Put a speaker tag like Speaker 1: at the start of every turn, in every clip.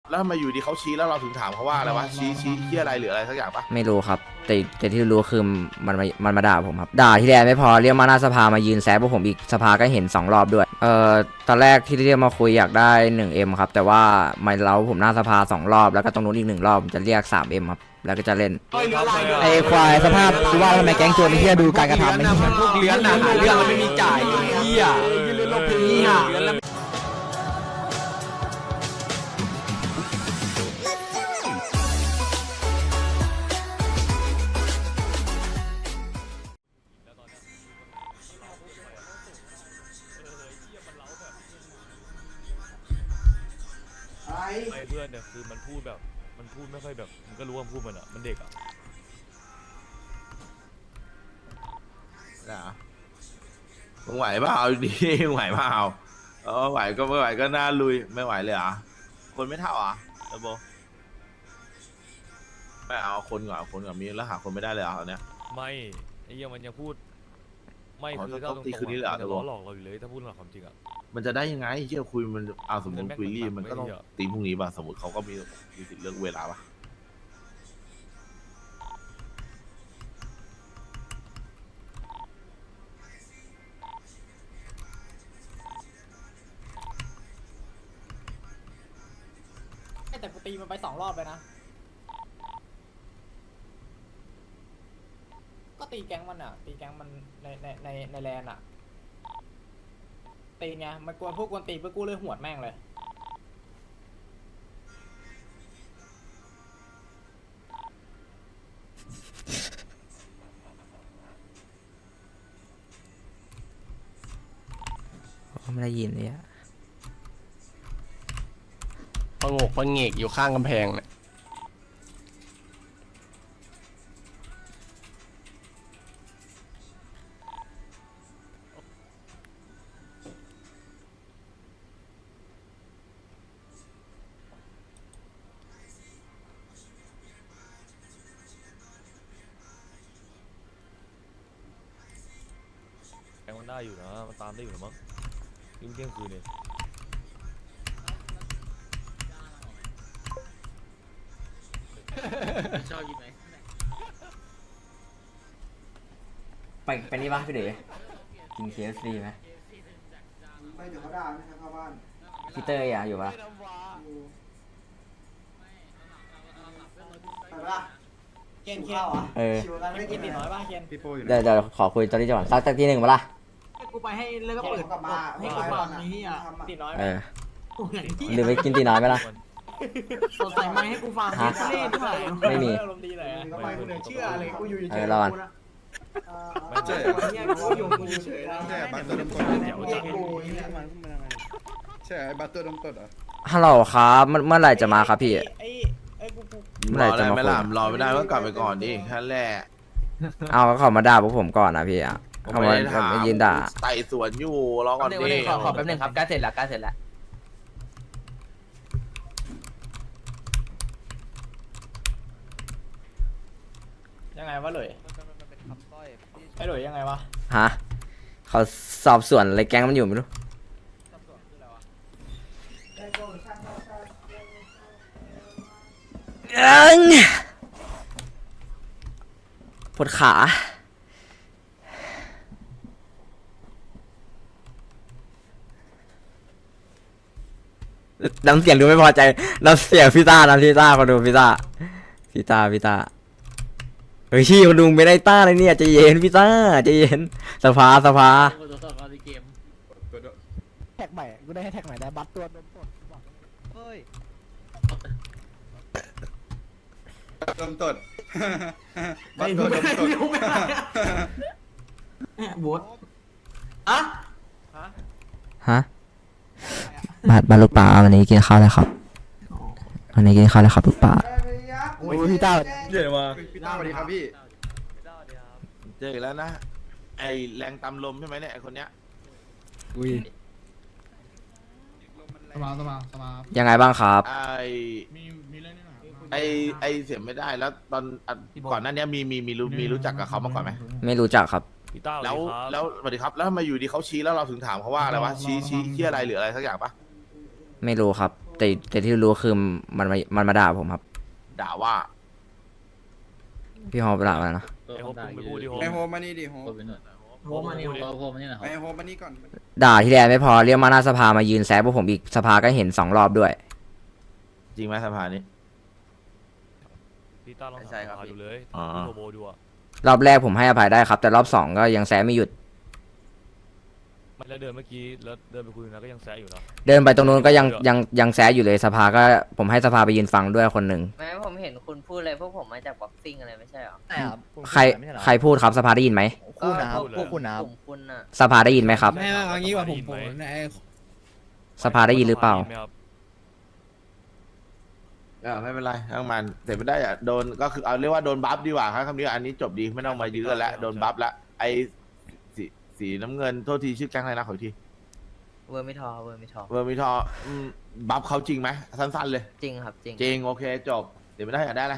Speaker 1: แล้วทำไมอยู่ดีเขาชี้แล้วเราถึงถามเขาว่าอะไรวะชี้ที่อะไรหรืออะไรสักอย่างปะ
Speaker 2: ไม่รู้ครับแต่ที่รู้คือมันมาด่าผมครับด่าที่แรกไม่พอเรียกมาหน้าสภามายืนแซะพวกผมอีกสภาก็เห็น2 รอบด้วยตอนแรกที่เรียกมาคุยอยากได้ 1M ครับแต่ว่าไม่เล้าผมหน้าสภา2 รอบแล้วก็ตรงนู้นอีก1 รอบจะเรียก 3M ครับแล้วก็จะเล่น
Speaker 3: ไอ้ควายสภาพกูว่าทำไมแก๊งโจรไอ้เหี้ยดูการกระทำไอ้เหี้ย
Speaker 4: พวกเลี้ยงน่ะหาเรื่องแล้วไม่มีจ่ายเหี้ยเหี้ย
Speaker 5: ไอ้เพื่อนเนี่ยคือมันพูดแบบมันพูดไม่ค่อยแบบมันก็รู้ว่ามันพูดมันอ่ะมันเด็กอ่ะ
Speaker 1: นะมึงไหวเปล่าเอาดีมึงไหวเปล่าไหวก็ไม่ไหวก็น่าลุยไม่ไหวเลยเหรอ่ะคนไม่เท่าอ่ะเออโบไม่เอาคนก่อนเอาคนก่อนมีแล้วหาคนไม่ได้เลยเหรอ่ะเนี่ย
Speaker 5: ไม่ไอ้เหี้ยมันยังพูดไม่
Speaker 1: อ๋อ
Speaker 5: คือ
Speaker 1: ต้
Speaker 5: ถ้า
Speaker 1: อง
Speaker 5: ตรง
Speaker 1: ตีคืนนี้เลยเหรอ
Speaker 5: มันจะล้อหลอกเราอยู่เลยถ้าพูดหลักความจริงอ่ะ
Speaker 1: มันจะได้ยังไงที่จะคุยมันเอาสมมติคุยรีบมันก็ต้อง
Speaker 5: ไม่เยอะ
Speaker 1: ตีพรุ่งนี้ป่ะสมมติเขาก็มีสิทธิ์เลือกเวลาป่ะ
Speaker 6: แต่กูตีมันไป2 รอบเลยนะ ก็ตีแก๊งมันอ่ะ ตีแก๊งมันในแลนอ่ะ ตีไงมันกวนพวกกวนตีเพื่อกูเลยหวดแม่งเลย
Speaker 2: ไม่ได้ยินเลยอะ
Speaker 4: ประงกประเงกอยู่ข้างกำแพงเนี่ย
Speaker 5: แกงมันได้อยู่นะมันตามได้อยู่นะมั้งยิ่งเที่ยงคืนเนี่ย
Speaker 2: ไปนี่ปะพี่เด๋กิน KFC ไหม
Speaker 3: ไม่เดี๋ยวเขาด่าไม่ให้เข้าบ้าน
Speaker 2: พี่เตอร์อยากอยู่ปะ
Speaker 3: ไปปะ
Speaker 6: เคน
Speaker 3: ข้าวอ่ะ
Speaker 6: ชิวกันไม่กินตีน้อยป่ะเคน
Speaker 2: เดี๋ยวขอคุยตอนนี้จังหวะสักทีหนึ่งปะล่ะ
Speaker 6: กูไปให้แล้วก็เปิด
Speaker 3: กลับมา
Speaker 6: ให้กูฟังนี่อ่ะตีน้อย
Speaker 2: เออหรือไปกินตีน้อยไหมล่ะ
Speaker 6: สดใส่ไม้ให้กูฟัง
Speaker 2: ฮะ
Speaker 6: เล่นด้วย
Speaker 2: ไม่มี
Speaker 6: อารมณ์ดีเลย
Speaker 3: ก็ไปกูเหนือเชื่ออะไรกูอยู่เฉย
Speaker 2: รอก่อน
Speaker 5: ไม่ใช่
Speaker 6: เนี่ยกูอยู่เฉยๆนะ
Speaker 7: ใช่บัตรตัวดมกด
Speaker 6: เดี๋ยวจะ
Speaker 3: กูอย่างเงี้ย
Speaker 7: ใช่ไอ้บัตรตัวดมกดเหรอ
Speaker 2: ฮัลโหลครับเมื่อไหร่จะมาครับพี่
Speaker 6: ไอ้กู
Speaker 2: เมื่อ
Speaker 1: ร
Speaker 2: ไหร่
Speaker 1: อ
Speaker 2: จะ
Speaker 1: ได้
Speaker 2: มา
Speaker 1: ไหม
Speaker 2: คุย
Speaker 1: ล่ะรอไม่ได้ก็กลับไปก่อนดิแค่แรก
Speaker 2: เอาก็เขามาด่าพวกผมก่อนนะพี่อ่ะ
Speaker 1: ผม
Speaker 2: เขา
Speaker 1: ไม่
Speaker 2: มา
Speaker 1: ได้ถาม
Speaker 2: มายืนด่า
Speaker 1: ไต่สวนอยู่รอก่อนดิ
Speaker 4: ขอแป๊บนึงครับใกล้เสร็จแล้วใกล้เสร็จแล้ว
Speaker 6: ยังไงวะหลุยไอ้หลุยยังไงวะ
Speaker 2: ฮะเขาสอบสวนอะไรแก๊งมันอยู่ไม่รู้ปวดขาน้ำเสียงดูไม่พอใจน้ำเสียงพี่ต้านะพี่ต้ามาดูพี่ต้าเฮ้ยชี้มาดูไม่ได้ต้าเลยเนี่ยใจเย็นพี่ต้าใจเย็นสภา
Speaker 3: แท็กใหม่กูได้ให้แท็กใหม่ได้บัตรตัวดมสดเฮ้ย
Speaker 7: ดมตด บัตรตัวดมตด
Speaker 6: บดอะ
Speaker 2: ฮะบาทลูกป่าวันนี้กินข้าวแล้วครับวันนี้กินข้าวแล้วครับลูกป่า
Speaker 3: โอ้ยพี่ต้า
Speaker 5: เดี๋ยวมา
Speaker 7: พี่ต้าสวัสดีครับพี่
Speaker 1: เจออีกแล้วนะ ไอแรงตำลมใช่ไหมเนี่ยไอคนเนี้ย
Speaker 3: สมา
Speaker 2: ยังไงบ้างครับ
Speaker 1: ไอเสียไม่ได้แล้วตอนก่อนหน้านี้มีรู้จักกับเขามาก่อนไหม
Speaker 2: ไม่รู้จักครับ
Speaker 5: พี่ต้า
Speaker 1: แล้ว
Speaker 5: ส
Speaker 1: แล้วสวัสดีครับแล้วทำไมอยู่ดีเขาชี้แล้วเราถึงถามเขาว่าอะไรวะชี้ที่อะไรหรืออะไรสักอย่างปะ
Speaker 2: ไม่รู้ครับแต่ที่รู้คือมันมาด่าผมครับ
Speaker 1: ด่าว่า
Speaker 2: พี่ฮอปด่าอะไรนะ
Speaker 5: ไอ้โฮปมึงไปพูดดิโฮป
Speaker 7: ไอโฮมานี่ดิโฮ
Speaker 6: โหมานี่
Speaker 7: ไอโฮมานี่ก่อน
Speaker 2: ด่าที่แรกไม่พอเรียกมาหน้าสภามายืนแซะพวกผมอีกสภาก็เห็น2 รอบด้วย
Speaker 1: จริงไหมสภานี้
Speaker 5: พี่ต้าลอง
Speaker 1: ใช่
Speaker 5: ถาม
Speaker 1: ครับ
Speaker 5: ดูเลย
Speaker 1: อ๋อ
Speaker 5: พี่โทโบดูอ่ะ
Speaker 2: รอบแรกผมให้อภัยได้ครับ แต่รอบ2ก็ยังแซะไม่หยุด
Speaker 5: มันแล้วเดินเมื่อกี้แล้วเดินไปคุยนะก็ยังแซะอยู่นะ
Speaker 2: เดินไปตรงนู้นก็ยังแซะอยู่เลยสภาก็ผมให้สภาไปยืนฟังด้วยคนหนึ่ง
Speaker 8: แม้ผมเห็นคุณพูดอะไรพวกผมมาจากบ็อกซิ่งอะไรไม่ใช่เหรอ
Speaker 2: ใครพูดครับสภาได้ยินไหม
Speaker 8: คุณนะครับพวกคุณนะครับกลุ่มคุณน่ะ
Speaker 2: สภาได้ยินไหมครับ
Speaker 3: ไม่เอางี้ว่าผม
Speaker 2: สภาได้ยินหรือเปล่า
Speaker 5: ไหมครับ
Speaker 1: ไม่เป็นไรทั้งมันแต่ไม่ได้อะโดนก็คือเอาเรียกว่าโดนบัฟดีกว่าครับคำนี้อันนี้จบดีไม่ต้องมายื้อกันแล้วโดนบัฟแล้วไอ้สีน้ำเงินโทษทีชื่อแก๊งอะไรนะขออีกที
Speaker 8: เวอร์มิทอเวอร์มิทอ
Speaker 1: เวอร์มิทอบัฟเขาจริงไหมสั้นๆเลย
Speaker 8: จริงครับจริง
Speaker 1: จริงโอเคจบเดี๋ยวไม่ได้อยากได้อะไร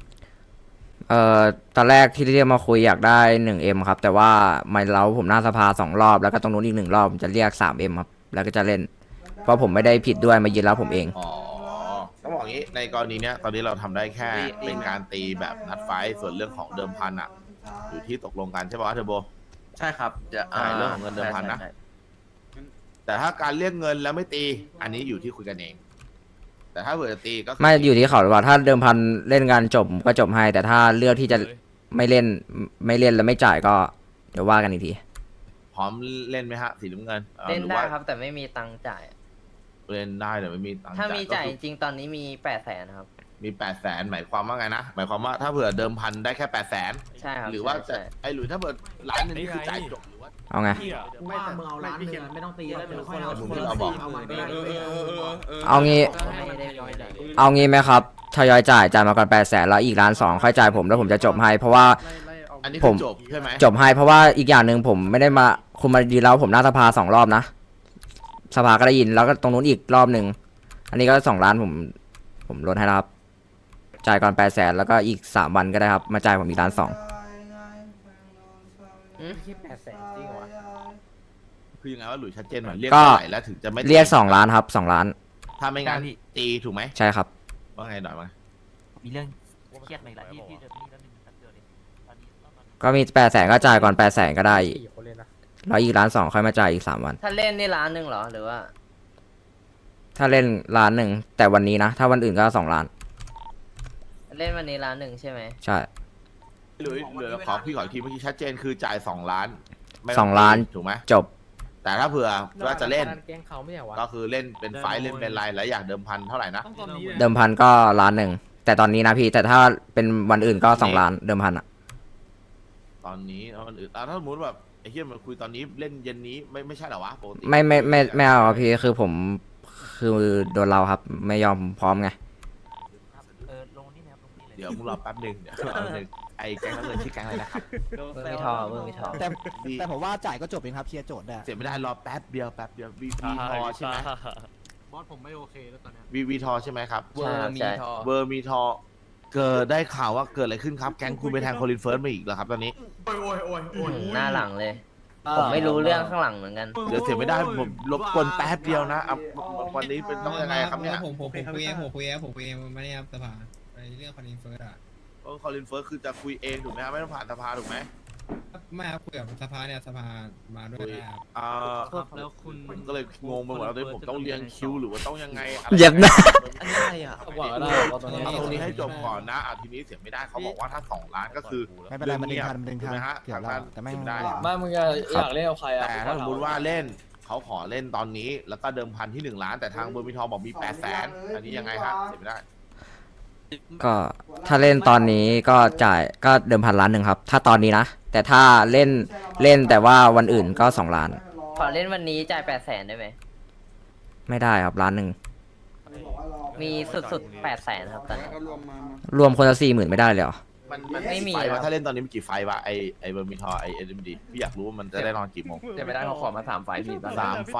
Speaker 2: ตอนแรกที่เรียกมาคุยอยากได้ 1M ครับ แต่ว่าไม่เล้าผมหน้าสภา2 รอบแล้วก็ตรงนู้นอีก1 รอบผมจะเรียก 3M ครับแล้วก็จะเล่น เพราะผมไม่ได้ผิดด้วยมายืนแล้วผมเอง
Speaker 1: อ๋อต้องบอกงี้ในกรณีเนี้ยตอนนี้เราทำได้แค่เป็นการตีแบบนัดไฟท์ส่วนเรื่องของเดิมพันอะอยู่ที่ตกลงกันใช่ป่ะเทอร์โบ
Speaker 4: ใช่ครับจะ
Speaker 1: ใช่เรื่องของเงินเดิมพันนะ แต่ถ้าการเรียกเงินแล้วไม่ตี อันนี้อยู่ที่คุยกันเอง แต่ถ้าเผื่อจะตีก็คื
Speaker 2: ไม่อยู่ที่เขาหรือว่าถ้าเดิมพันเล่นงานจบผมก็จบให้ แต่ถ้าเลือกที่จะไม่เล่นแล้วไม่จ่ายก็เดี๋ยวว่ากันอีกที
Speaker 1: พร้อมเล่นไหมฮะสีน้ำเงิน
Speaker 8: เล่น
Speaker 1: หรือ
Speaker 8: ได้
Speaker 1: ว่า
Speaker 8: ครับแต่ไม่มีตังค์จ่าย
Speaker 1: เล่นได้แต่ไม่มีตังค์
Speaker 8: ถ้ามีจ่าย
Speaker 1: ก็
Speaker 8: จ
Speaker 1: คือ
Speaker 8: ริงๆตอนนี้มี800,000ครับ
Speaker 1: มี800,000หมายความว่าไงนะหมายความว่าถ้าเผื่อเดิมพันได้แค่800,000
Speaker 8: ใช่ครับ
Speaker 1: หรือว่าจะ
Speaker 8: ใช่
Speaker 1: ไอ้หรือถ้าเผื่อล้านหนึงนี่คือจ่ายจบหรือว่า
Speaker 2: เอาไง
Speaker 5: เหี้ย
Speaker 3: ไม่แต่มึงเอาล้านนึงไม่ต้องตีแล้วเดี๋ยวค่อยเอา
Speaker 1: ที่เราบอก
Speaker 2: เอางี้
Speaker 8: ไม่ได้ย้อยจ่าย
Speaker 2: เอางี้ไหมครับทยอยจ่ายมาก่อน800,000แล้วอีก1,200,000ค่อยจ่ายผมแล้วผมจะจบให้เพราะว่า
Speaker 1: อันนี้
Speaker 2: ผ
Speaker 1: คือ
Speaker 2: ม
Speaker 1: จบใช่ไหม
Speaker 2: จบให้เพราะว่าอีกอย่างหนึ่งผมไม่ได้มาคุณมายืนแล้วผมหน้าสภา2 รอบนะสภาก็ได้ยินแล้วก็ตรงนู้นอีกรอบหนึ่งอันนี้ก็2 ล้านผมลดให้แล้วครับจ่ายก่อน800,000แล้วก็อีก3 วันก็ได้ครับมาจ่ายผมอีก1,200,000
Speaker 6: คิด800,000จริงเหรอวะ
Speaker 1: คือยังไงว่าหลุยชัดเจนหน่อยเรียก
Speaker 2: ก็
Speaker 1: เท่าไหร่แล้วถึงจะไม่
Speaker 2: เรียก2 ล้านครับ2 ล้าน
Speaker 1: ถ้าไม่งั้นตีถูกไหม
Speaker 2: ใช่ครับ
Speaker 1: ว่าไงหน่อยมั้ย
Speaker 4: มีเรื่องเครียดมาอีกแล้วที่เดิมนี่แล้วนึงแป๊บเดียวเลยตอนนี้
Speaker 2: ก็มี800,000ก็จ่ายก่อน800,000ก็ได้
Speaker 6: 4 คนเลยนะ
Speaker 2: แล้วอีก1,200,000ค่อยมาจ่ายอีก3 วัน
Speaker 8: ถ้าเล่นนี่ล้านหนึ่งเหรอหรือว่า
Speaker 2: ถ้าเล่น1,000,000แต่วันนี้นะถ้าวันอื่นก็2 ล้าน
Speaker 8: เล่นวันนี้ล้านหนึ่งใช่ไหม
Speaker 2: ใช่
Speaker 1: หลุยเหลือขอพี่ขออีกทีเมื่อกี้ชัดเจนคือจ่าย2 ล้านไม่
Speaker 2: 2 ล้าน
Speaker 1: ถูกไหม
Speaker 2: จบ
Speaker 1: แต่ถ้าเผื่อว่าจะเล่น
Speaker 6: แกงเขาไม่ใช่วะ
Speaker 1: ก็คือเล่นเป็นไฟท์เล่นเป็นไรแล้วอยากเดิมพันเท่าไหร่นะ
Speaker 2: เดิมพันก็1,000,000แต่ตอนนี้นะพี่แต่ถ้าเป็นวันอื่นก็2 ล้านเดิมพันอ่ะ
Speaker 1: ตอนนี้แล้วมันอื่นถ้าสมมติแบบไอ้เหี้ยมันคุยตอนนี้เล่นเย็นนี้ไม่ใช่เหรอวะปกติ
Speaker 2: ไม่เอาครับพี่คือผมคือโดนเราครับไม่ยอมพร้อมไง
Speaker 4: ลงนี่นะครับลงนี่เลย
Speaker 1: เดี๋ยวมึงรอแป๊บหนึงเดี๋ยวแป๊บหนึงไอ้แก๊งน้ำเงินชื่อแก๊งอะไรนะครับ
Speaker 8: เวอร์มิทอเวอร์มิทอ
Speaker 3: แต่ผมว่าจ่ายก็จบเองครับเคลียร์โจทย์ได้
Speaker 1: เสียไม่ได้รอแป๊บเดียววีทอใช่ไหม
Speaker 3: บอสผมไม่โอเคแล้วตอนนี้
Speaker 1: วีทอใช่ไหมครับ
Speaker 8: เวอร์มิทอ
Speaker 1: เวอร์มีทอเกิดได้ข่าวว่าเกิดอะไรขึ้นครับแก๊งคุณไปแทงโคลินเฟิร์สมาอีกเหรอครับตอนนี้
Speaker 8: หน้าหลังเลย ผมไม่รู้เรื่องข้างหลังเหมือนกัน
Speaker 1: เดี๋ยวเสียไม่ได้ผมรบกวนแป๊บเดียวนะวันนี้เป็นต้องยังไงครับเนี่ย
Speaker 9: ผมคุยเองไม่ได้ครับสภาไปเรื่องคอนอินเฟิร์สอ่ะ
Speaker 1: โคลินเฟิร์สคือจะคุยเองถูกไหมครับไม่ต้องผ่านสภาถูกไหม
Speaker 9: ไม่ครับคุยกับสภาเนี่ยสภามาด้วยได้ครับ
Speaker 4: แล้วคุณ
Speaker 1: ผมก็เลยงงไปหมดแล้วตอนนี้ผมต้องเรียงคิวหรือว่าต้องยังไงอะไร
Speaker 2: เหยียบหน้า
Speaker 4: อันนี้อะไรอ่ะ
Speaker 6: บอกก็ได้ว่าตอนนี้
Speaker 1: เอาตรงนี้ให้จบก่อนนะทีนี้เสียไม่ได้เขาบอกว่าถ้า2 ล้านก็คือ
Speaker 3: ไม่เป็นไรมันดึงทันมันดึงทัน
Speaker 1: ถูกไหมฮะ
Speaker 3: เกี่ยวแล้วแต่ไม่
Speaker 1: ได้
Speaker 6: ไม่มึงอยากเล่นกับใครอ่ะ
Speaker 1: แต่ถ้าสมมติว่าเล่นเขาขอเล่นตอนนี้แล้วก็เดิมพันที่1 ล้าน แต่ทางเบอร์มิทอบอกมี800,000อันนี้ยังไงฮะเสียไม่ได้
Speaker 2: ก็ถ้าเล่นตอนนี้ก็จ่ายก็เดิมพัน1,000,000ครับถ้าตอนนี้นะแต่ถ้าเล่นแต่ว่าวันอื่นก็2 ล้าน
Speaker 8: ขอเล่นวันนี้จ่าย800,000ได้ไหม
Speaker 2: ไม่ได้ครับ1,000,000
Speaker 8: มีสุดๆ800,000ครับตอนนี้
Speaker 7: ก็รวมมา
Speaker 2: รวมคนละ40,000ไม่ได้เลยเหรอ
Speaker 1: มัน
Speaker 8: ไม่มี
Speaker 1: ไฟ
Speaker 8: ครับ
Speaker 1: วะถ้าเล่นตอนนี้มันกี่ไฟวะไอเบอร์มิทอไอเอ็มดีพี่อยากรู้ว่ามันจะได้นอนกี่โมง
Speaker 6: จะไม่ได้เขาขอมา3 ไฟล์พี่ตอนนี้
Speaker 1: 3 ไฟ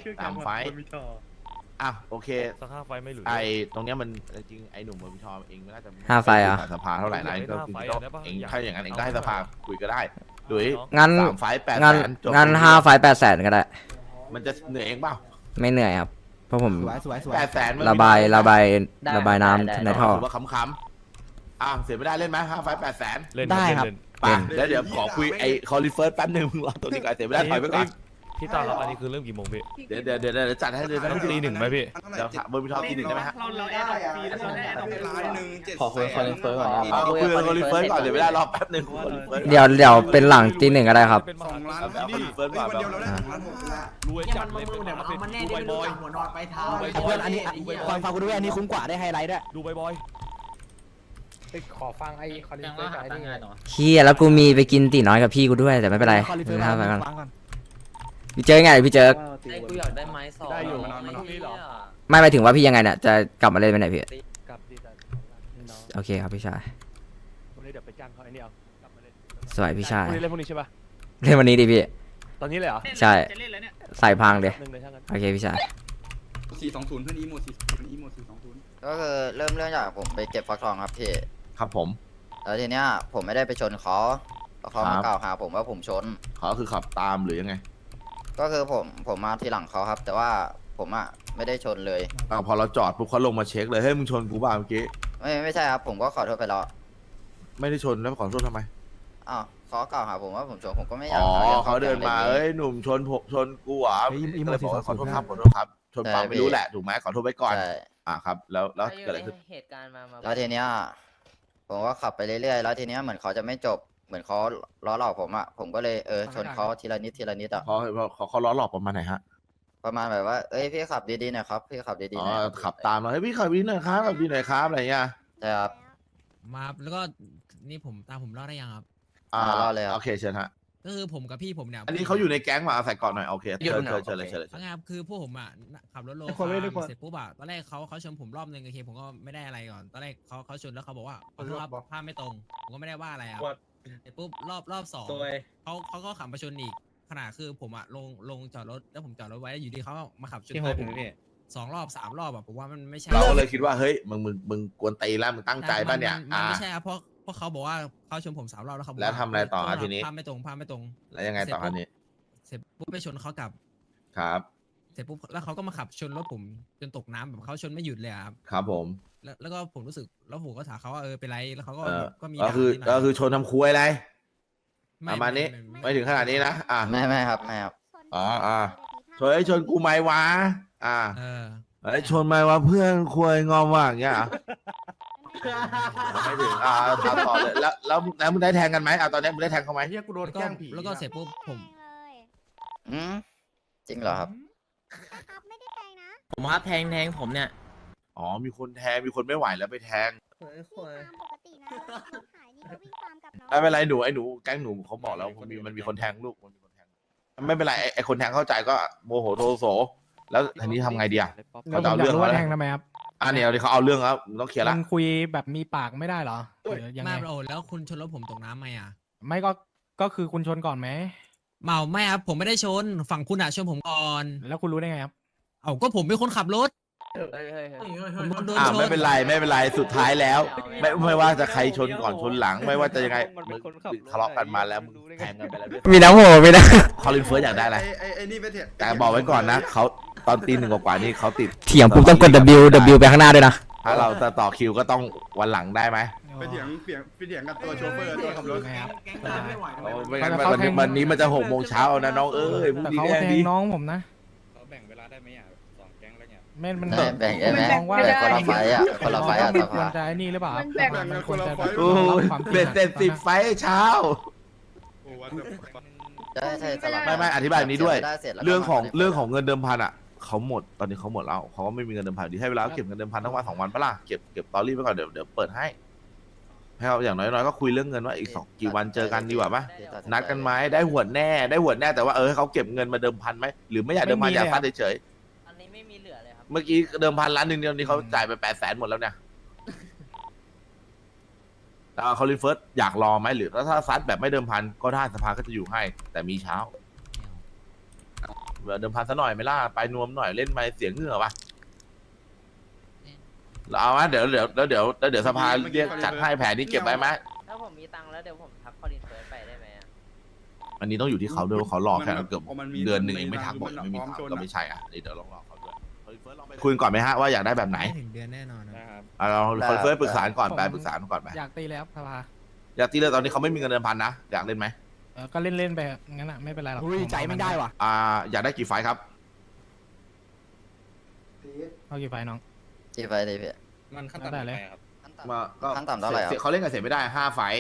Speaker 1: อ่ะโอเค
Speaker 5: สัก5 ไฟไม่หลุด
Speaker 1: ไอตรงเนี้ยมันจริงไอหนุ่มเบอร์มิทอเองไม่น่าจะ
Speaker 2: 5 ไฟอ่ะ
Speaker 1: สภาเท่าไหร่นะเองก็คือต้องเองถ้าอย่างนั้นเองก็ให้สภาคุยก็ได้โดย
Speaker 2: งั้น
Speaker 1: 3 ไฟ800,000จบ
Speaker 2: งั้น5 ไฟล์800,000ก็ได้
Speaker 1: มันจะเหนื่อยเองเปล่า
Speaker 2: ไม่เหนื่อยครับเพราะผม
Speaker 3: สวย
Speaker 1: 800,000
Speaker 2: ระบายน้
Speaker 8: ได้
Speaker 2: ำในท่อ
Speaker 1: ถือว่าขำๆเสียไม่ได้เล่นไหม5 ไฟล์ 800,000
Speaker 5: เล่น
Speaker 3: ได้ครับ
Speaker 5: เล่น
Speaker 1: ไปแล้วเดี๋ยวขอคุยไอ้คอลิเฟิร์สแป๊บนึงมึงรอตัวนี้ก่อนเสียไม่ได้ถอยไปก่อน
Speaker 5: พี่ตาครับอันนี้คือเริ่มกี่โมงพี่
Speaker 1: เดี๋ยวจัดให้เลยนะ
Speaker 5: ต้องตีหนึ่งไหมพี่
Speaker 1: เดี๋ยวถามบนพิทอตีหนึ่งได้ไหมฮะ
Speaker 7: เราแอดฟรีแล้วเราแอด1 ล้าน
Speaker 4: ขอคุยคอนเฟิร์มก่อนนะ
Speaker 1: เอาคุยกับคอลิเฟิร์สก่อนเดี๋ยวไม่ได้รอแป๊บนึงคอลิเฟิร์ส
Speaker 2: เดี๋ยวเป็นหลังตีหนึ่งก็ได้ครับ
Speaker 5: เป็นมหา
Speaker 7: 2 ล้าน
Speaker 1: เอา
Speaker 7: ที่นี่
Speaker 1: เฟิร์สก่อน
Speaker 7: วันเดียวเราได้2 ล้าน 6 ล้าน
Speaker 5: รวยจัดเลยเป็นมหาเป็นดูบอย
Speaker 6: หัวนอนไปเท้า
Speaker 3: เพื่อนอันนี้ฟังกูด้วยอันนี้คุ้มกว่าได้ไฮไลท์ด้วย
Speaker 5: ดูบอย
Speaker 3: ขอฟังไอ้คอนเทนต์กับไอ้นี่ไง
Speaker 2: เฮียแล้วกูมีไปกินตีน้อยกับพี่กูด้วยแต่ไม่เป็นไร
Speaker 3: คอลิเฟอร์
Speaker 2: ไม่เป็นไร
Speaker 3: ฟังก่อน
Speaker 2: พี่เจอไงพี่เจอ
Speaker 8: ไอ้กูอยากได้ไม้สอง
Speaker 5: ได้อยู่
Speaker 8: ไอ้
Speaker 5: พรุ่งนี้เหรอ
Speaker 8: เหี้ย
Speaker 2: ไม่หมายถึงว่าพี่ยังไงเนี่ยจะกลับมาเล่นไปไหนพี่
Speaker 5: กลับดีแต่
Speaker 2: โอเคครับพี่ชาย
Speaker 5: พรุ่งนี้เดี๋ยวไปจ้างเขาไอ้นี่เอากลับมาเล่น
Speaker 2: สวยพี่ชาย
Speaker 5: พรุ่งนี้เล่นพรุ่งนี้ใช่ปะ
Speaker 2: เล่นวันนี้ดิพี่
Speaker 5: ตอนนี้เลยเหรอ
Speaker 2: ใช่ใส่พังเดี๋ยว
Speaker 5: หนึ่งเลยช่างกัน
Speaker 2: โอเคพี่ชาย
Speaker 7: 420เพื่อนอีโม420อีโม420
Speaker 10: ก็คือเริ่มจากผมไปเก็บฟักทองครับพี่
Speaker 1: ครับผม
Speaker 10: แล้วทีเนี้ยผมไม่ได้ไปชนเขาแล้วเขา
Speaker 1: ครั
Speaker 10: มา
Speaker 1: บ
Speaker 10: กล่าวหาผมว่าผมชน
Speaker 1: เขาคือขับตามหรือยังไง
Speaker 10: ก็คือผมมาทีหลังเขาครับ แต่ว่าผมอ่ะไม่ได้ชนเลย
Speaker 1: พอเราจอดปุ๊บเขาลงมาเช็คเลยเฮ้ยมึงชนกูเปล่าเมื่อกี้
Speaker 10: ไม่ใช่ครับ ผมก็ขอโทษไปแล้ว
Speaker 1: ไม่ได้ชนแล้วขอโทษทำไม
Speaker 10: อ้าวเขากล่าวหาผมว่าผมชนผมก็ไม่อยาก
Speaker 1: อ๋อ
Speaker 10: หรื่อง
Speaker 1: เขาเดินมา
Speaker 10: แบบ
Speaker 1: เอ้ยหนุ่มชนผมชนกูเหรอ
Speaker 3: เฮ้ยอีโม
Speaker 1: ก็เลยบอกว่า
Speaker 3: 420
Speaker 1: ขอโทษครับขอโทษครับชนเปล่าไม่รู้แหละถูกไหมขอโทษไว้ก่อน
Speaker 10: ใช่
Speaker 1: ครับแล้วเกิดอะไรขึ้น
Speaker 8: เหตุการณ์มา
Speaker 10: แล้วทีเนี้ยผมก็ขับไปเรื่อยๆแล้วทีเนี้ยเหมือนเขาจะไม่จบเหมือนเขาล้อหลอกผมอ่ะผมก็เลยชนเขาทีละนิดอ่ะ
Speaker 1: เขาล้อหลอกประมาณไหนฮะ
Speaker 10: ประมาณแบบว่าเอ้ยพี่ขับดีๆหน่อยครับพี่ขับดีๆหน่อยครับ
Speaker 1: ขับตามเราเฮ้ยพี่ขับวินหน่อยครับขับวินหน่อยครับอะไรเงี้ย
Speaker 10: ใช่ครับ
Speaker 9: มาแล้วก็นี่ผมตามผมรอดได้ยังครับ
Speaker 10: รอดเลยครับ
Speaker 1: โอเคเชิญฮะ
Speaker 9: ก็คือผมกับพี่ผมเนี่ย
Speaker 1: อันนี้เขาอยู่ในแก๊งมาเอาใส่ก่อนหน่อยโอเคเชิญเลย
Speaker 9: เอาไงครับคือพวกผมอ่ะขับรถโล
Speaker 3: ทุกคนเลยทุกคน
Speaker 9: เสร็จปุ๊บอ่ะตอนแรกเขาชนผมรอบนึงโอเคผมก็ไม่ได้อะไรก่อนตอนแรกเขาชนแล้วเขาบอกว่าขอโทษครับภาพไม่ตรงผมก็ไม่ได้ว่าอะไรอ่ะเสร็จปุ๊บรอบสองเขาก็ขับมาชนอีกขนาดคือผมอ่ะลงจอดรถแล้วผมจอดรถไว้อยู่ดีเขามาขับชนท้ายผม2 รอบ3 รอบอ่ะผมว่ามันไม่ใช่
Speaker 1: เราก็เลยคิดว่าเฮ้ยมึงกวนตีแล้วมึงตั้งใจป่ะเนี่ย
Speaker 9: มันไม่ใช่ครับเพราะเขาบอกว่าเขาชนผม3 รอบแล้วเขาบอก
Speaker 1: แล้วทำอะไรต่ออ่ะทีนี้
Speaker 9: ภาพไม่ตรง
Speaker 1: แล้วยังไงต่อคันนี้
Speaker 9: เสร็จปุ๊บไปชนเขากลับ
Speaker 1: ครับ
Speaker 9: เสร็จปุ๊บแล้วเขาก็มาขับชนรถผมจนตกน้ำแบบเขาชนไม่หยุดเลยอะครับ
Speaker 1: ครับผม
Speaker 9: แล้วก็ผมรู้สึกแล้วผมก็ถามเขาว่าเป็นไรแล้วเขาก็ ก็มี
Speaker 1: ก็คือ
Speaker 9: ด่านิดหน่ย
Speaker 1: ชนทำคุยอะไร
Speaker 9: ไม่
Speaker 1: ประมาณนี้ไม่ถึงขนาดนี้นะ
Speaker 10: ไม่ครับไม่ครับ
Speaker 1: ชนชนกูไหมวะ
Speaker 9: เออ
Speaker 1: ไอ้ชนไหมวะเพื่อนคุยงอมว่าอย่างเงี้ยไม่ถึงตามต่อเลยแล้วมึงได้แทงกันไหมตอนนี้มึงได้แทงเขาไหม
Speaker 3: เฮียกูโดน
Speaker 9: แล้วก็
Speaker 3: แกล้งผี
Speaker 9: แล้วก็เสร็จปุ๊บผม
Speaker 10: จริงเหรอครับ
Speaker 8: ผมครับแทงผมเนี่ย
Speaker 1: อ๋อมีคนแทงมีคนไม่ไหวแล้วไปแทงไม่เป็นไรหนูไอ้หนูแก๊งหนูเขาบอกแล้วมันมีคนแทงลูกมันมีคนแทงไม่เป็นไรไอ้คนแทงเข้าใจก็โมโหโทโสแล้วทีนี้ทำไงดีอะ
Speaker 3: แล้วผมอยากรู้ว่าแทงทำไมครับ
Speaker 1: เนี่ยเขาเอาเรื่องแล้วต้องเคลียร์ละ
Speaker 3: มันคุยแบบมีปากไม่ได้เหรอหรือยังไง
Speaker 9: ไม่โอ้แล้วคุณชนรถผมตกน้ำไหมอ่ะ
Speaker 3: ไม่ก็คือคุณชนก่อนไหม
Speaker 9: ไม่ครับผมไม่ได้ชนฝั่งคุณอะชนผมก่อน
Speaker 3: แล้วคุณรู้ได้ไงครับ
Speaker 9: เอาก็ผมเป็นคนขับรถผมโดนชน
Speaker 1: ไม่เป็นไรสุดท้ายแล้ว ไม่ว่าจะใครชนก่อนชนหลัง ไม่ว่าจะยังไงมึงทะเลาะกันมาแล้วมึงแทงกันไปแล้วด้วย
Speaker 2: มีน้ำโหมีนะ
Speaker 1: คอลินเฟิร์สอยากได้อะไร
Speaker 7: ไอ้นี่ไปเถอะ
Speaker 1: แต่บอกไว้ก่อนนะเขาตอนตี 1 กว่าๆนี่เขาติด
Speaker 2: เถียงปุ๊บต้องกด W ไปข้างหน้าด้วยนะ
Speaker 1: ถ้าเราจะต่อคิวก็ต้องวันหลังได้ไหม
Speaker 7: ไปเถียงกับตัวโชเฟอร์ตัวขับรถ
Speaker 3: ไงครับ
Speaker 1: ไม่งั้นวันนี้มันจะ6 โมงเช้านะน้องเอ้ยมึง
Speaker 3: แต่
Speaker 1: ดี
Speaker 3: เขา
Speaker 1: แน่
Speaker 3: แทง
Speaker 1: ดี
Speaker 3: น้องผมนะ
Speaker 4: เขาแบ่งเวลาได้ไหมอ่ะ2 แก๊งแล้วเนี่ย
Speaker 3: แม่นมัน
Speaker 10: แบ่งได้ไหม
Speaker 3: มองว่า
Speaker 10: แบ่งคนละไฟอ่ะคนละไฟอ่ะ
Speaker 3: มัน
Speaker 10: ส
Speaker 3: ควร
Speaker 10: ภา
Speaker 3: จะไอ้นี่หรือเปล่าครับ
Speaker 7: แบ่ง
Speaker 3: มัน
Speaker 7: กัน
Speaker 3: ควรจะ
Speaker 7: คนละไฟ
Speaker 1: โอ้ย
Speaker 3: ความจริง
Speaker 1: เบ็ดเสร็จ
Speaker 3: ตอนนั้น
Speaker 1: 10 ไฟล์เช้า
Speaker 10: ใช่สลับ
Speaker 1: ไม่อธิบายแบบนี้ด้วย
Speaker 10: เสีได้สจแล้วก็
Speaker 1: เรื่องของ
Speaker 10: มา
Speaker 1: เรื่องของเงินเดิมพันอ่ะเขาหมดตอนนี้เขาหมดแล้วเขาก็ไม่มีเงินเดิมพันดีให้เวลาเก็บเงินเดิมพันทั้งวัน2 วันปะล่ะเก็บตอรี่ไปก่อนเดี๋ยวเปิดให้เขาอย่างน้อยๆก็คุยเรื่องเงินว่าอีกกี่วันเจอกันดีกว่าปะนัดกันไหมได้หวดแน่แต่ว่าให้เขาเก็บเงินมาเดิมพันไหมหรือไม่อยากเดิมพันอยากฟัดเฉย
Speaker 8: อันนี้ไม่มีเหลือเลยครับ
Speaker 1: ๆเมื่อกี้เดิมพัน1 ล้านเดียวนี้เขาจ่ายไป800,000หมดแล้วเนี่ยคอลินเฟิร์สอยากรอไหมหรือถ้าซัดแบบไม่เดิมพันก็ได้สภาก็จะอยู่ให้แต่มีเช้าเดิมพันซะหน่อยไหมล่ะไปนวมหน่อยเล่นไปเสียงเหงื่อปะเราเอาไหมเดี๋ยวสภาเรียกจัดให้แผนนี้เก็บไว้ไหม
Speaker 8: ถ้าผมมีตังค์แล้วเดี๋ยวผมทักคอลินเฟิร์สไปได้ไหมอะ
Speaker 1: อันนี้ต้องอยู่ที่เขาด้วยว่าเขารอแค่เกือบ
Speaker 7: พอมันมี
Speaker 1: เดือนหนึ่งเองไม่ทัก
Speaker 7: มัน
Speaker 1: บอกไม่มี
Speaker 7: พร้อม
Speaker 1: ทาง
Speaker 7: ชน
Speaker 1: ก็
Speaker 7: อะ
Speaker 1: ไม่ใช่อ่ะนี่เดี๋ยวลองรอเขาด้วยคุยก่อนไหมฮะว่าอยากได้แบบไหน
Speaker 9: ถึงเดือนแน่นอนนะ
Speaker 5: นะครับ
Speaker 1: เราเฟิร์สปรึกษาก่อนไปปรึกษาก่อนไป
Speaker 3: อยากตีเลยครับสภา
Speaker 1: อยากตีเลยตอนนี้เขาไม่มีเงินเดิมพันนะอยากเล่นไหม
Speaker 3: ก็เล่นไปงั้นอ่ะไม่เป็นไรหรอกใจไม่ได้ว่ะ
Speaker 1: อยากได้กี่ไฟท์ครับ
Speaker 3: เอากี่ไฟน้อง
Speaker 10: กี่ไฟเลยพี่
Speaker 4: มันขั้นต่ำเท่าไหร่ครับ
Speaker 1: มาก็
Speaker 10: ขั้นต่ำเท่าไหร่ครับ
Speaker 1: เขาเล่นกันเสร็จไม่ได้5 ไฟท์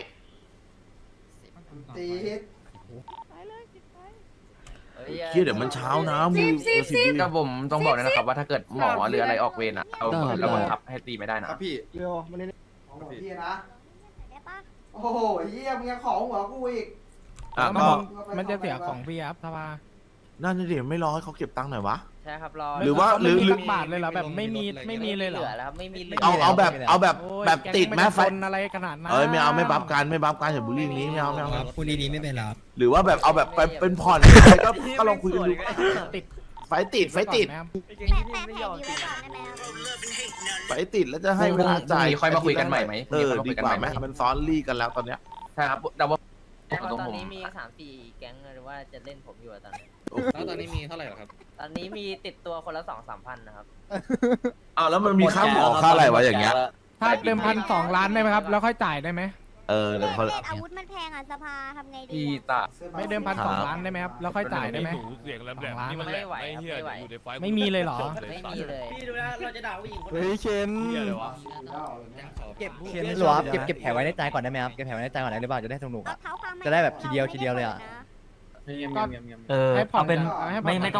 Speaker 1: เดี๋ยวมันเช้านะมึง
Speaker 4: ก็ผมต้องบอกนะครับว่าถ้าเกิดหมอหรืออะไรออกเวรอ่ะเอาแล้วบังคับให้ตีไม่ได้นะครับ
Speaker 7: พี่
Speaker 3: เร็วมาเล่น
Speaker 7: ของพี่นะ
Speaker 11: ได้ปะ
Speaker 7: โอ้โหเฮียมึงยังของหัวกูอีก
Speaker 3: มันจะเสียของพี่ครับสภา
Speaker 1: นั่นดิไม่รอให้เขาเก็บตังค์หน่อยวะ
Speaker 8: ใช่ครับรอ
Speaker 1: หรือว่า
Speaker 3: ไม่มีสักบาทเลยเหรอแบบไม่มีเลยเหร
Speaker 8: เห
Speaker 3: อ
Speaker 8: ลือแล้วครับไม่มีเหลือ
Speaker 1: เอาแบบ
Speaker 3: โอ้ย
Speaker 1: แบบติดไหม
Speaker 3: แก๊ง
Speaker 1: ไฟ
Speaker 3: นจะคนอะไรขนาดนั้น
Speaker 1: ไม่เอาไม่บัฟกันอย่าบูลลี่อย่างนี้ไม่เอา
Speaker 9: พูดดีๆไม่เป็นไรครับ
Speaker 1: หรือว่าแบบเอาแบบไปเป็นผ่อนก็ลองคุยกันดู
Speaker 3: ติด
Speaker 1: ไฟติด
Speaker 3: ไหมครับ
Speaker 11: แปะแผนนี้ไว้ก่อนได้ไหมครับ
Speaker 1: ไฟติดแล้วจะให้เวลาจ่าย
Speaker 4: พรุ่งนี้ค่อยมาคุยกันใหม่ไหม
Speaker 1: ดีกว่าไหมมันซ้อนลี่กันแล้วตอนเนี้ย
Speaker 4: ใช่ครับแต่ว่า
Speaker 8: ตอนนี้มี3-4 แก๊งหรือว่าจะเล่นผมอยู่อะตอนนี้
Speaker 4: แล้วตอนนี้มีเท่าไหร่ครับ
Speaker 8: ตอนนี้มีติดตัวคนละ 2-3 พันนะครับ
Speaker 1: เอาแล้วมันมีค่าหมอค่าอะไรวะอย่างเงี้ย
Speaker 3: ถ้าเดิมพัน2 ล้านได้ไหมครับแล้วค่อยจ่ายได้ไหม
Speaker 1: เดี๋ยวเขา
Speaker 11: เล่นอาวุธมันแพงอ่ะสภาทำไงดี
Speaker 4: พี่ตา
Speaker 3: ไม่เดิมพัน2 ล้านได้ไหมครับแล้วค่อยจ่ายได้ไหม
Speaker 5: หนูเสียงแหลมๆนี่มันแหลมไม่เฮียอยู่ในไฟ
Speaker 3: ไม่มีเลยเหรอ
Speaker 8: ไม่มีเลย
Speaker 6: พี่ดูนะเราจะด่าผู้หญิงคน
Speaker 3: เฮ้ยเคน
Speaker 5: เฮียเลยวะ
Speaker 6: เก็บ
Speaker 3: เคน
Speaker 6: ห
Speaker 3: ห
Speaker 6: ล
Speaker 3: ล
Speaker 6: ว
Speaker 3: ว
Speaker 6: เก็บแผลไว้ในใจก่อนได้ไหมครับเก็บแผลไว้ในใจก่อนได้หรือเปล่าจะได้สนุก
Speaker 11: เอาเท้าความ
Speaker 6: จะได้แบบทีเดียวเลยอะ
Speaker 3: ก็ ให้ผ่อนให้ผ่อนไม่ต้อง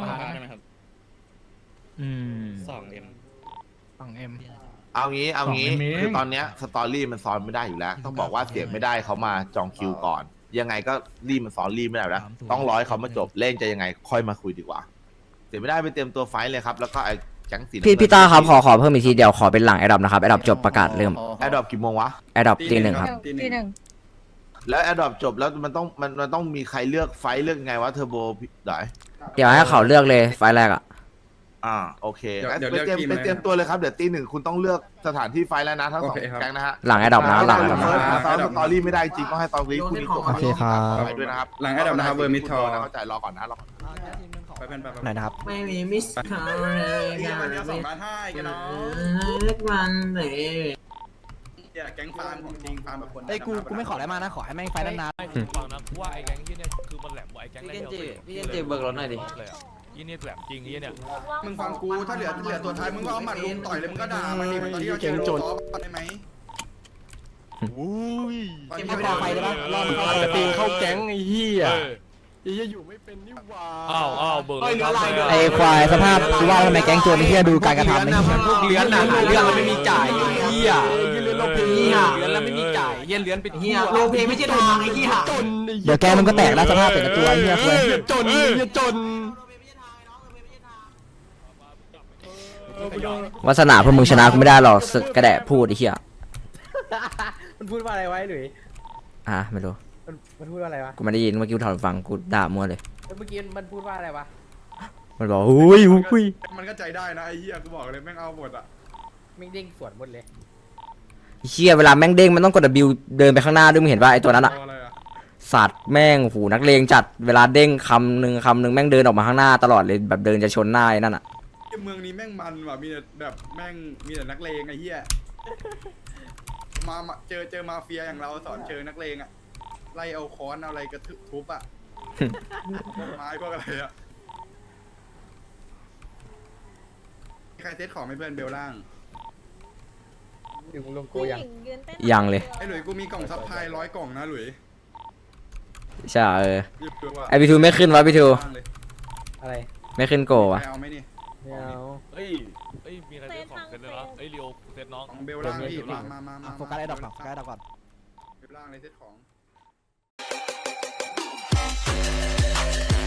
Speaker 4: 2M
Speaker 3: 2M
Speaker 1: เอางี้คือตอนเนี้ยสตอรี่มันซ้อนไม่ได้อยู่แล้ว ต้องบอกว่าเสียงไม่ได้เขามาจองคิวก่อน ยังไงก็รีบมันซ้อนรีบไม่ได้แล้วต้องร้อยเขามาจบเล่นจะยังไงค่อยมาคุยดีกว่า เสียไม่ได้ไปเตรียมตัวไฟท์เลยครับแล้วก็ไอ้แก๊งสีน้ำเงิน
Speaker 2: พี่ตาครับขอเพิ่มอีกทีเดียวขอเป็นหลังแอดดับนะครับแอดดับจบประกาศเริ่ม
Speaker 1: แอดดอปกี่โมงวะ
Speaker 2: แอดดับตี 1ครับ
Speaker 7: ตีหนึ่ง
Speaker 1: แล้วแอดดอปจบแล้วมันต้องมีใครเลือกไฟท์เลือกไงวะเทอร์โบไหน
Speaker 2: เดี๋ยวให้เขาเลือกเลยไฟล์แรกอ่ะ
Speaker 1: โอเคไปเตรียมตัวเลยครับเดี๋ยวตี 1คุณต้องเลือกสถานที่ไฟท์แล้วนะทั้ง2แก๊งนะฮะ
Speaker 2: หลังแอดดับนะหลังแอดดับนะ
Speaker 1: ซ้อมสตอรี่ไม่ได้จริงก็ให้ตอนนี้คุณมีตัว
Speaker 3: โอเคครับ
Speaker 1: ไปด้วยนะครับ
Speaker 7: หลังแอดดับนะครับเวอร์มิทอ
Speaker 1: เข้าใจรอก่อนนะรอก่อน
Speaker 7: ไปเป็นแบบ
Speaker 3: ไหนนะครับ
Speaker 6: ไม่มีมิสคาร์เลย
Speaker 7: นี่วันเดียว2 ล้าน5กันเนาะ
Speaker 6: เล็กวันเลย
Speaker 7: เนี่ยแก๊งฟาร์มของจริงฟาร์มแบบคน
Speaker 3: เอ้ยกูไม่ขออะไรมากนะขอให้แม่งไฟนาน
Speaker 5: ไม่ถึงฟังนะว่าไอ้แก๊งที่เนี่ยคือมันแหลมกว่าไอ้แก๊งแรก
Speaker 8: พี่เจนจิเบิกรถหน่อยดิ
Speaker 5: ยี่นี่แหลมจริงยี่เนี่ย
Speaker 7: มึงฟังกูถ้าเหลือตัวท้ายมึงก็เอาหมัดลุมต่อยเลยมึงก็ด่ามันดิเหมือนตอนที่เราเจอโจได้ไหม
Speaker 3: เก็บพอไฟได้ปะรอมันเข้า
Speaker 4: ตีนเข้าแก๊งไอ้เหี้ย
Speaker 3: อยู่ไม่เป็นนี่หว่า
Speaker 5: อ้าวเบิกรถ
Speaker 3: ไอ้ควายสภาพกูว่าทำไมแก๊งโจรไอ้เหี้ยดูการกระทำไอ้เหี้ย
Speaker 4: พวกเลื้อนน่ะหาเรื่องแล้วไม่มีจ่ายไอ้เหี้ย
Speaker 3: เลื้อนโลเพ
Speaker 4: เหี้ยเลื้อนแล้วไม่มีจ่ายเหี้ยเลื้อนปิดเหี้ย
Speaker 6: โลเพไม่ใช่ทางไอ้ที่หา
Speaker 3: เดี๋ยวแกมันก็แตกแล้วสภาพเป็นตัวไอ้เหี้ยควาย
Speaker 4: จนจน
Speaker 2: วาสนาพวกมึงชนะกูไม่ได้หรอกศึกกระแดะพูดไอ้เหี้ย
Speaker 6: มันพูดว่าอะไรไว้หรือ
Speaker 2: ไม่รู้
Speaker 6: มันพูดว่าอะไรวะ
Speaker 2: กูไม่ได้ยินเมื่อกี้กูถอดฟังกูด่ามั่วเลย
Speaker 6: เมื่อกี้มันพูดว่าอะไรวะ
Speaker 2: มันบอกอุ้ย
Speaker 7: มันก็ใจได้นะไอ้เหี้ยกูบอกเลยแม่งเอาหมดอ่ะ
Speaker 6: ไม่เด้งสวนหมดเลย
Speaker 2: เชี่ยเวลาแม่งเด้งมันต้องกด W เดินไปข้างหน้าด้วยมึงเห็นป่ะไอตัวนั้นอะ
Speaker 7: เอาอะไรอ่ะ
Speaker 2: สัตว์แม่งหูนักเลงจัดเวลาเด้งคำหนึ่งแม่งเดินออกมาข้างหน้าตลอดเลยแบบเดินจะชนหน้าไอ้นั่นอะ
Speaker 7: เมืองนี้แม่งมันว่ะมีแต่แบบแม่งมีแต่นักเลงไอ้เหี้ยมาเจอมาเฟียอย่างเราสอนเจอนักเลงอ่ะไล่เอาค้อนเอาอะไรกระทุบอ่ะไม้พวกอะไรอ่ะใครเซตของให้เพื่อนเบลล่าง
Speaker 6: ถึงลงโก
Speaker 11: ผู้ห
Speaker 6: ยัง
Speaker 11: ญิงยืนเต้น
Speaker 2: ยังเลย
Speaker 7: ไอ้หลุยกูมีกล่องซัพพลาย100 กล่องนะหลุย
Speaker 2: ใช่
Speaker 7: หยิบดูว่ะ
Speaker 2: ไอพี่ทูไม่ขึ้นวะพี่ทู
Speaker 7: ว่างเลย
Speaker 6: อะไร
Speaker 2: ไม่ขึ้นโกวะ
Speaker 7: ไปเอาไหมนี่
Speaker 6: ไม่เอา
Speaker 5: เฮ้ยมีใครเซตของเซตเลยนะเรียวเซตน้อง
Speaker 7: ของเบลล่างพี่มา
Speaker 3: โฟกัสไอ้ดอกก่อนโฟกัสไอ้ดอกก่อน
Speaker 7: เบลล่างเลยเซตของ